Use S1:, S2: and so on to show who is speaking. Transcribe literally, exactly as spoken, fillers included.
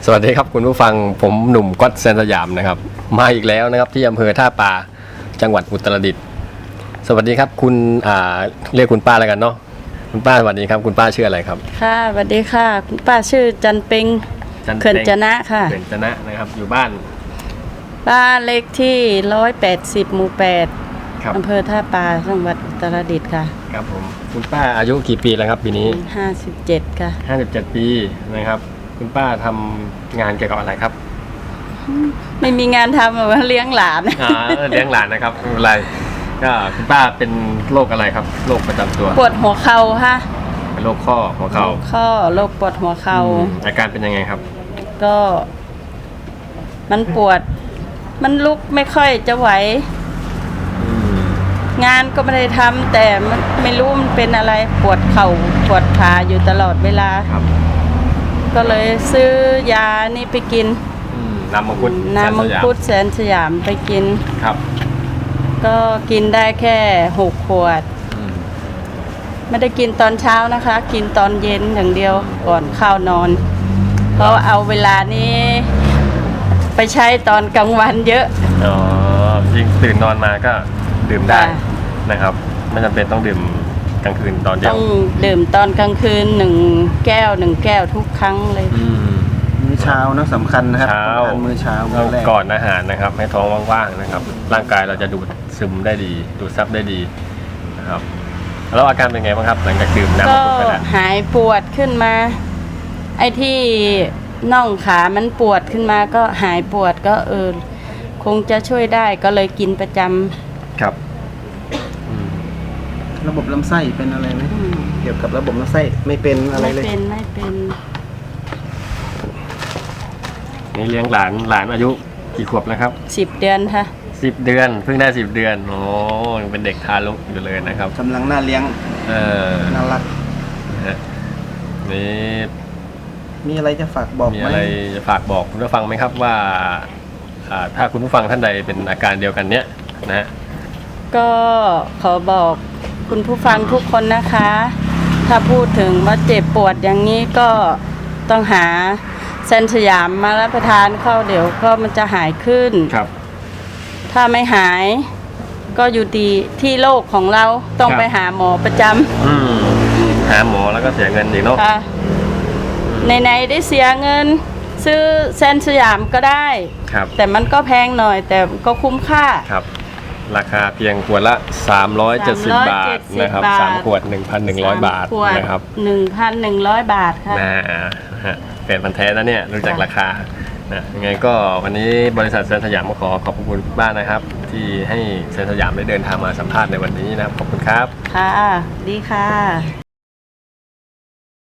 S1: สวัสดีครับคุณผู้ฟังผมหนุ่มก๊อตแซนสยามนะครับมาอีกแล้วนะครับที่อำเภอท่าปาจังหวัดอุตรดิตถ์สวัสดีครับคุณอ่าเรียกคุณป้าแล้วกันเนาะคุณป้าสวัสดีครับคุณป้าชื่ออะไรครับ
S2: ค่ะสวัสดีค่ะคุณป้าชื่อจันเป็งเขื่อนจนะค่ะ
S1: เขื่อนจนะนะครับอยู่บ้าน
S2: บ้านเลขที่ร้อยแปดสิบหมู่แปดอำเภอท่าปาจังหวัดอุตรดิตถ์ค่ะ
S1: ครับผมคุณป้าอายุกี่ปีแล้วครับปีนี้
S2: ห้าสิบเจ็ดค่ะ
S1: ห้าสิบเจ็ดปีนะครับคุณป้าทำงานเกี่ยวกับอะไรครับ
S2: ไม่มีงานทำหรอกเลี้ยงหลาน
S1: อ่าเลี้ยงหลานนะครับไม่เป็นไรก็คุณป้าเป็นโรคอะไรครับโรคประจำตัว
S2: ปวดหัวเข่าค่ะ
S1: เป็นโรคข้อหัวเข่า
S2: ข้อโรคปวดหัวเข่า
S1: อาการเป็นยังไงครับ
S2: ก็มันปวดมันลุกไม่ค่อยจะไหวงานก็ไม่ได้ทำแต่มันไม่รู้มันเป็นอะไรปวดเข่าปวดขาอยู่ตลอดเวลาก็เลยซื้อยานี่ไปกิน
S1: น้ำมังคุด
S2: น้ำมังคุดแสนสยามไปกิน
S1: ครับ
S2: ก็กินได้แค่หกขวดไม่ได้กินตอนเช้านะคะกินตอนเย็นอย่างเดียวก่อนเข้านอนเพราะเอาเวลานี้ไปใช้ตอนกลางวันเยอะ
S1: อ๋อยิ่งตื่นนอนมาก็ดื่มได้นะครับไม่จำเป็นต้องดื่มกลางคืนตอนเดียว
S2: ต้องดื่มตอนกลางคืนหนึ่งแก้วหนึ่งแก้วทุกครั้งเลย
S3: มื้อเช้านะสำคัญนะครับ
S1: เช้า
S3: มื้อเช้า
S1: ก่อนอาหารนะครับให้ท้องว่างๆนะครับร่างกายเราจะดูดซึมได้ดีดูดซับได้ดีนะครับแล้วอาการเป็นไงบ้างครับหลังจากดื่มน้ำมังคุดไปแล้ว
S2: หายปวดขึ้นมาไอ้ที่น่องขามันปวดขึ้นมาก็หายปวดก็เออคงจะช่วยได้ก็เลยกินประจำ
S1: ครับ
S3: ระบบลำไส้เป็นอะไรไหมเกี่ยวกับระบบลำไส้ไม่เป็นอะไรเลย
S2: ไม่เป็นไม่เป็น
S1: นี่เลี้ยงหลานหลานอายุกี่ขวบแล้วครับ
S2: สิบเดือนค่ะ
S1: สิบเดือนเพิ่งได้สิบเดือนโอ้ยังเป็นเด็กทารกอยู่เลยนะครับ
S3: กำลังน่าเลี้ยง
S1: เออ
S3: น่ารัก
S1: นี่
S3: มีอะไรจะฝากบอก
S1: มีอะไรจะฝากบอกคุณผู้ฟังไหมครับว่าถ้าคุณผู้ฟังท่านใดเป็นอาการเดียวกันเนี้ยนะ
S2: ก็ขอบอกคุณผู้ฟังทุกคนนะคะถ้าพูดถึงว่าเจ็บปวดอย่างนี้ก็ต้องหาแซนสยามมารับประทานเข้าเดี๋ยวก็มันจะหายขึ้น
S1: ครับ
S2: ถ้าไม่หายก็อยู่ดีที่โรคของเราต้องไปหาหมอประจ
S1: ำหาหมอแล้วก็เสียเงินอีกเนาะ
S2: ในๆได้เสียเงินซื้อแซนสยามก็ได้แต่มันก็แพงหน่อยแต่ก็คุ้มค่า
S1: ครับราคาเพียงขวดละสามร้อยเจ็ดสิบบาทนะครับสามขวด หนึ่งพันหนึ่งร้อย บาทนะครับ
S2: หนึ่งพันหนึ่งร้อย บาทค่ะ
S1: นะฮะเป็นพันแท้นะเนี่ยรู้จักราคานะยังไงก็วันนี้บริษัทแซนสยามขอขอบคุณบ้านนะครับที่ให้แซนสยามได้เดินทางมาสัมภาษณ์ในวันนี้นะครับขอบคุณครับ
S2: ค่ะดีค่ะ